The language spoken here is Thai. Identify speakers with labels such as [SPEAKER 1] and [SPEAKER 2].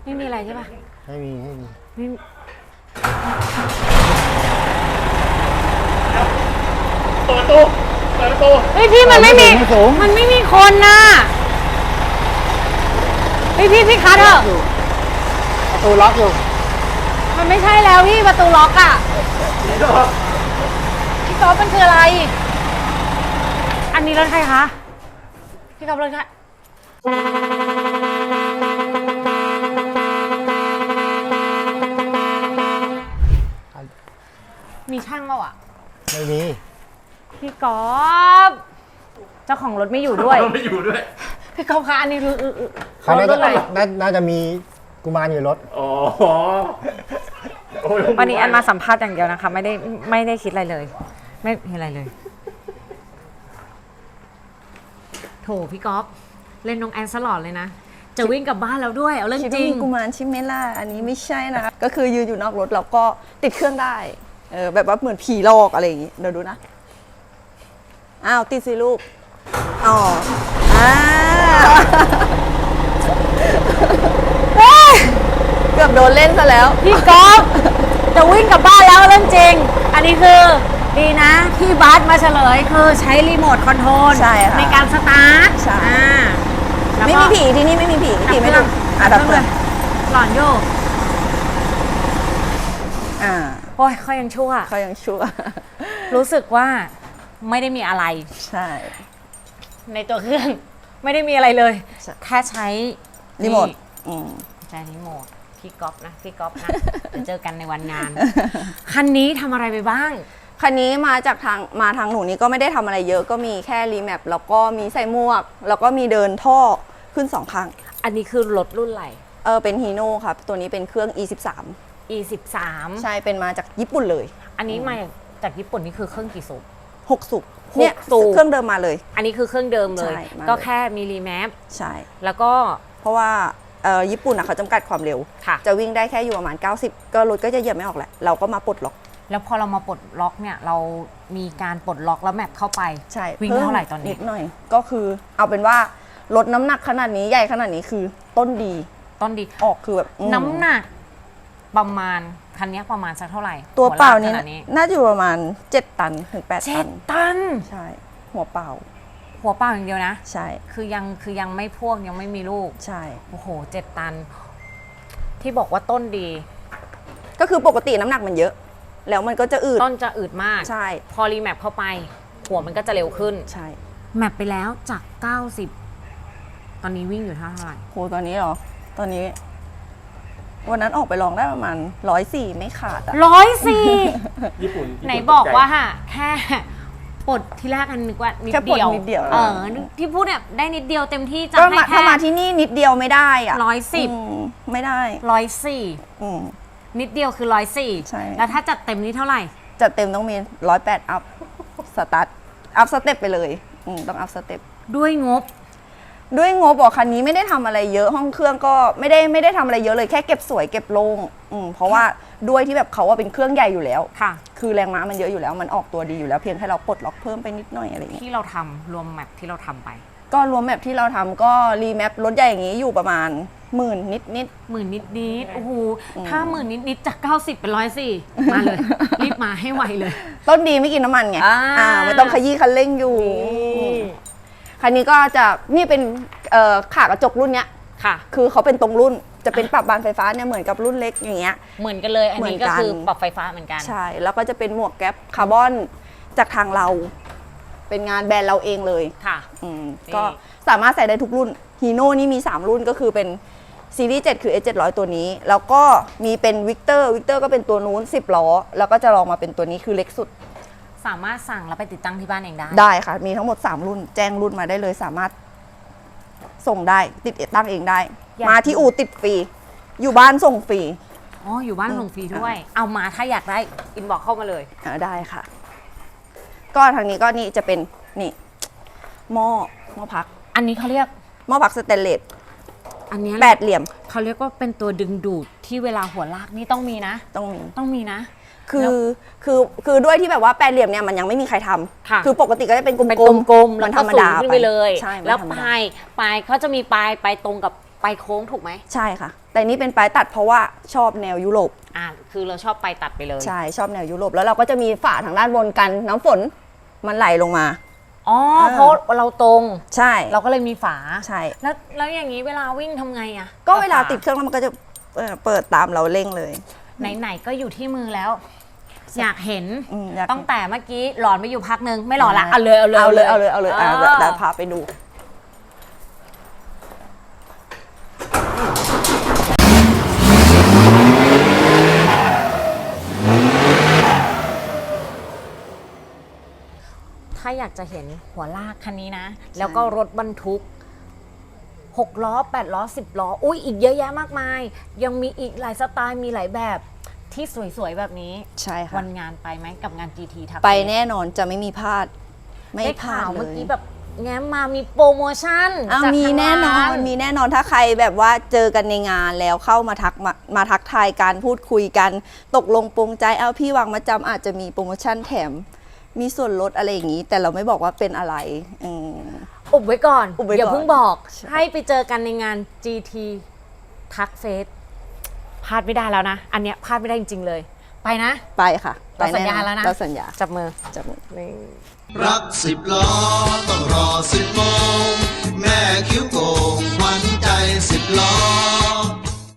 [SPEAKER 1] ไม่มีอะไรใช่ปะ
[SPEAKER 2] ไม่มี
[SPEAKER 1] ไม่
[SPEAKER 3] เปิดประตู
[SPEAKER 1] เฮ้ยพี่มันไม่มีคนน่ะพี่คัทเถอะ
[SPEAKER 2] ประตูล็อกอยู่
[SPEAKER 1] มันไม่ใช่แล้วพี่ประตูล็อกอ่ะพี่ก๊อฟมันคืออะไรอันนี้รถใครคะพี่ก๊อฟรถใครมีช่างเปล่าอ่ะ
[SPEAKER 2] ไม่มี
[SPEAKER 1] พี่ก๊อฟเจ้าของรถไม่อยู่ด้วยพี่ก๊อฟคะอันนี้คือ
[SPEAKER 2] เขาน่าจะมีกุมารอยู่รถ
[SPEAKER 3] อ๋อ
[SPEAKER 1] วันนี้แอนมาสัมภาษณ์อย่างเดียวนะคะไม่ได้คิดอะไรเลยไม่มีอะไรเลยโถพี่ก๊อฟเล่นน้องแอนสลอดเลยนะจะวิ่งกลับบ้านแล้วด้วยเอาเรื่องจริง
[SPEAKER 4] มีกุมารใช่ไหมล่ะอันนี้ไม่ใช่นะคะก็คือยืนอยู่นอกรถแล้วก็ติดเครื่องได้แบบว่าเหมือนผีหลอกอะไรอย่างงี้เดี๋ยวดูนะอ้าวติดสิลูกอ๋อเกือบโดนเล่นซะแล้ว
[SPEAKER 1] พี่ก๊อฟจะวิ่งกลับบ้านแล้วเรื่องจริงอันนี้คือดีนะพี่บาสมาเฉลยคือใช้รีโมทคอนโทรลในการสตาร์ท
[SPEAKER 4] ใช่ไม่มีผีที่นี่ไม่มีผีไม่ต้อง
[SPEAKER 1] ดับเครื่องหลอนโยกโอ้ยเขายังชั่วรู้สึกว่าไม่ได้มีอะไร
[SPEAKER 4] ใช่
[SPEAKER 1] ในตัวเครื่องไม่ได้มีอะไรเลยแค่ใช้
[SPEAKER 4] รีโมท
[SPEAKER 1] ใช้รีโมทพี่ก๊อฟนะเดี๋ยวเจอกันในวันงานคันนี้ทำอะไรไปบ้าง
[SPEAKER 4] คันนี้มาทางหนูนี้ก็ไม่ได้ทำอะไรเยอะก็มีแค่รีแมปแล้วก็มีใส่หมวกแล้วก็มีเดินท่อขึ้น2 ครั้ง
[SPEAKER 1] อันนี้คือรถรุ่นอะไร
[SPEAKER 4] เป็นฮีโน่ครับตัวนี้เป็นเครื่อง E13 ใช่เป็นมาจากญี่ปุ่นเลย
[SPEAKER 1] อันนี้มาจากญี่ปุ่นนี่คือเครื่องกี่สูบ
[SPEAKER 4] 6 สูบเนี่ยเครื่องเดิมมาเลย
[SPEAKER 1] อันนี้คือเครื่องเดิมเลยก็แค่มีรีแมป
[SPEAKER 4] ใช่
[SPEAKER 1] แล้วก็
[SPEAKER 4] เพราะว่าญี่ปุ่นเขาจำกัดความเร็วจะวิ่งได้แค่อยู่ประมาณ90ก็รถก็จะเหยียบไม่ออกแหละเราก็มาปลดล็อก
[SPEAKER 1] แล้วพอเรามาปลดล็อกเนี่ยเรามีการปลดล็อกแล้วแมปเข้าไป
[SPEAKER 4] ใช่
[SPEAKER 1] วิ่งเท่าไหร่ตอนนี้
[SPEAKER 4] นิดหน่อยก็คือเอาเป็นว่าลดน้ำหนักขนาดนี้ใหญ่ขนาดนี้คือต้นดีออกคือแบบ
[SPEAKER 1] น้ำหนักประมาณคันนี้ประมาณสักเท่าไหร่
[SPEAKER 4] ตัวเปล่านี้น่าจะอยู่ประมาณ7 ตันถึง8 ตัน
[SPEAKER 1] 7 ตัน
[SPEAKER 4] ใช่หัวเปล่า
[SPEAKER 1] อย่างเดียวนะ
[SPEAKER 4] ใช่
[SPEAKER 1] คือยังไม่พ่วงยังไม่มีลูก
[SPEAKER 4] ใช่
[SPEAKER 1] โอ้โห7 ตันที่บอกว่าต้นดี
[SPEAKER 4] ก็คือปกติน้ำหนักมันเยอะแล้วมันก็จะอืด
[SPEAKER 1] ต้นจะอืดมาก
[SPEAKER 4] ใช่
[SPEAKER 1] พอรีแมปเข้าไปหัวมันก็จะเร็วขึ้น
[SPEAKER 4] ใช่
[SPEAKER 1] แมปไปแล้วจาก90ตอนนี้วิ่งอยู่เท่าไหร่
[SPEAKER 4] โหตอนนี้เหรอตอนนี้วันนั้นออกไปลองได้ประมาณ104ไม่ขาด
[SPEAKER 1] 104ญี่ปุ่นไหนบอกว่าแค่ปลดที่แรกกันนึกว่านิดเดียวที่พูดเนี่ยได้นิดเดียวเต็มที่จะให้แค่
[SPEAKER 4] ถ้ามาที่นี่นิดเดียวไม่ได้อะ
[SPEAKER 1] 110
[SPEAKER 4] ไม่ได้
[SPEAKER 1] 104นิดเดียวคือ104
[SPEAKER 4] ใช่
[SPEAKER 1] แล้วถ้าจัดเต็มนี้เท่าไหร่
[SPEAKER 4] จัดเต็มต้องมี108อัพสตาร์ทอัพสเต็ปไปเลยต้องอัพสเต็ป
[SPEAKER 1] ด้วยงบ
[SPEAKER 4] บอกคันนี้ไม่ได้ทำอะไรเยอะห้องเครื่องก็ไม่ได้ทำอะไรเยอะเลยแค่เก็บสวยเก็บโล่งเพราะว่าด้วยที่แบบเขาว่าเป็นเครื่องใหญ่อยู่แล้ว
[SPEAKER 1] ค่ะ
[SPEAKER 4] คือแรงม้ามันเยอะอยู่แล้วมันออกตัวดีอยู่แล้วเพียงแค่เราปลดล็อกเพิ่มไปนิดหน่อยอะไรอย่างเงี้ย
[SPEAKER 1] ที่เราทำรวมแมปที่เราทำไป
[SPEAKER 4] ก็รวมแมปที่เราทำก็รีแมปรถใหญ่อย่างนี้อยู่ประมาณ10,000 นิด
[SPEAKER 1] โอ้โหถ้า10,000 นิดจาก90เป็น104มาเลยรีบมาให้ไวเลย
[SPEAKER 4] ต้นดีไม่กินน้ำมันไงไม่ต้องขยี้คันเร่งอยู่คันนี้ก็จะนี่เป็นขากระจกรุ่นเนี้ย
[SPEAKER 1] ค่ะ
[SPEAKER 4] คือเขาเป็นตรงรุ่นจะเป็นปรับบานไฟฟ้าเนี่ยเหมือนกับรุ่นเล็กอย่างเงี้ย
[SPEAKER 1] เหมือนกันเลยอันนี้ก็คือปรับไฟฟ้าเหมือนกัน
[SPEAKER 4] ใช่แล้วก็จะเป็นหมวกแก๊ปคาร์บอนจากทางเราเป็นงานแบรนด์เราเองเลย
[SPEAKER 1] ค่ะ
[SPEAKER 4] ก็สามารถใส่ได้ทุกรุ่นฮีโน่นี่มี3รุ่นก็คือเป็นซีรีส์7คือ S700 ตัวนี้แล้วก็มีเป็นวิกเตอร์ก็เป็นตัวนู้น10 ล้อแล้วก็จะลองมาเป็นตัวนี้คือเล็กสุด
[SPEAKER 1] สามารถสั่งแล้วไปติดตั้งที่บ้านเอง
[SPEAKER 4] ได้ค่ะมีทั้งหมด3รุ่นแจ้งรุ่นมาได้เลยสามารถส่งได้ติดตั้งเองได้มาที่อู่ติดฟรีอยู่บ้านส่งฟรี
[SPEAKER 1] อยู่บ้านส่งฟรีด้วยเอามาถ้าอยากได้อินบอกเข้ามาเลย
[SPEAKER 4] ได้ค่ะก็ทางนี้ก็นี่จะเป็นนี่หม้อพัก
[SPEAKER 1] อันนี้เขาเรียก
[SPEAKER 4] หม้อพักสเตนเลส
[SPEAKER 1] อันนี้
[SPEAKER 4] 8 เหลี่ยม
[SPEAKER 1] เขาเรียกว่าเป็นตัวดึงดูดที่เวลาหัวลากนี่ต้องมีนะต้องมีนะ
[SPEAKER 4] คือด้วยที่แบบว่า8 เหลี่ยมเนี่ยมันยังไม่มีใครทำคือปกติก็จะเป็นกลม
[SPEAKER 1] ๆมันธรรมดาไปเลยแล้วปลายเขาจะมีปลายตรงกับไปโค้งถูกไหม
[SPEAKER 4] ใช่ค่ะ แต่นี่เป็นปลายตัดเพราะว่าชอบแนวยุโรป
[SPEAKER 1] คือเราชอบไปตัดไปเลย
[SPEAKER 4] ใช่ชอบแนวยุโรปแล้วเราก็จะมีฝาทางด้านบนกันน้ำฝนมันไหลลงมา
[SPEAKER 1] อ๋อเพราะเราตรง
[SPEAKER 4] ใช่
[SPEAKER 1] เราก็เลยมีฝา
[SPEAKER 4] ใช่
[SPEAKER 1] แล้วอย่างนี้เวลาวิ่งทำไงอะ
[SPEAKER 4] ก็เวลาติดเครื่องแล้วมันก็จะเปิดตามเราเร่งเลย
[SPEAKER 1] ไหนๆก็อยู่ที่มือแล้ว อยากเห็น
[SPEAKER 4] อยาก
[SPEAKER 1] ตั้งแต่เมื่อกี้หลอนไปอยู่พักนึงไม่หลอนละเอาเลย
[SPEAKER 4] เอาเลยเดี๋ยวพาไปดู
[SPEAKER 1] ถ้าอยากจะเห็นหัวลากคันนี้นะ แล้วก็รถบรรทุก6 ล้อ8 ล้อ10 ล้ออุ้ยอีกเยอะแยะมากมาย ยังมีอีกหลายสไตล์มีหลายแบบที่สวยๆแบบนี้
[SPEAKER 4] ใช่ค่ะ
[SPEAKER 1] วันงานไปไหมกับงาน GT ทับ
[SPEAKER 4] ไปแน่นอนจะไม่มีพลาดไม่
[SPEAKER 1] ได้
[SPEAKER 4] พลา
[SPEAKER 1] ข่า
[SPEAKER 4] ด
[SPEAKER 1] ว
[SPEAKER 4] เล
[SPEAKER 1] เมื่อย กี้แบบแง้มมามีโปรโมชั่น
[SPEAKER 4] เอา
[SPEAKER 1] จาก
[SPEAKER 4] มี
[SPEAKER 1] ทาง
[SPEAKER 4] แน่นอน
[SPEAKER 1] ร้า
[SPEAKER 4] มีแน่นอนถ้าใครแบบว่าเจอกันในงานแล้วเข้ามาทักทายการพูดคุยกันตกลงปรงใจเอาพี่วางมาจำอาจจะมีโปรโมชั่นแถมมีส่วนลดอะไรอย่างนี้ แต่เราไม่บอกว่าเป็นอะไร
[SPEAKER 1] อุบไว้ก่อน
[SPEAKER 4] อุบไว้ก่อน
[SPEAKER 1] อย่าเพิ่งบอก
[SPEAKER 4] ใช่
[SPEAKER 1] ให้ไปเจอกันในงาน GT ทักเฟสพลาดไม่ได้แล้วนะ อันเนี้ยพลาดไม่ได้จริงๆเลย ไปนะ
[SPEAKER 4] ไปค่ะ
[SPEAKER 1] เราสัญญา
[SPEAKER 4] ไปน่นอน
[SPEAKER 1] แล้วนะ
[SPEAKER 4] เราสัญญา
[SPEAKER 1] จับมือ
[SPEAKER 4] จับมือ
[SPEAKER 1] นี่
[SPEAKER 5] รัก10 ล้อต้องรอ10 โมงแม่คิ้วโก